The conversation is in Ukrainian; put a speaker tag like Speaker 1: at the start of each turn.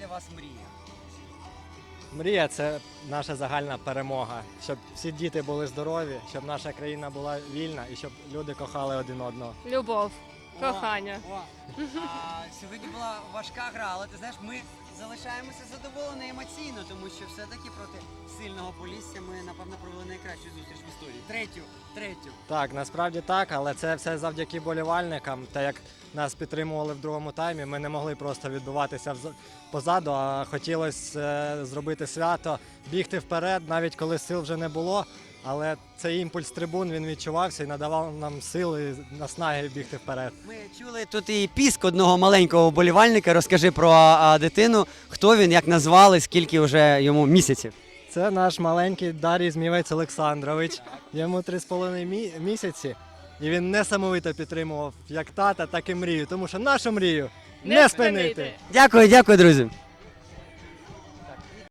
Speaker 1: для вас мрія?
Speaker 2: Мрія – це наша загальна перемога, щоб всі діти були здорові, щоб наша країна була вільна і щоб люди кохали один одного.
Speaker 3: Любов, кохання.
Speaker 1: Сьогодні була важка гра, але ти знаєш, ми залишаємося задоволені емоційно, тому що все-таки проти сильного Полісся ми, напевно, провели найкращу зустріч в історії. Третю.
Speaker 2: Так, насправді так, але це все завдяки болівальникам. Та як нас підтримували в другому таймі, ми не могли просто відбуватися позаду, а хотілося зробити свято, бігти вперед, навіть коли сил вже не було. Але цей імпульс трибун, він відчувався і надавав нам сили, наснаги бігти вперед.
Speaker 1: Ми чули тут і піск одного маленького вболівальника. Розкажи про дитину, хто він, як назвали, скільки вже йому місяців.
Speaker 2: Це наш маленький Дарій Змівець Олександрович. Йому 3,5 місяці. І він несамовито підтримував як тата, так і мрію. Тому що нашу мрію не спинити.
Speaker 1: Дякую, друзі.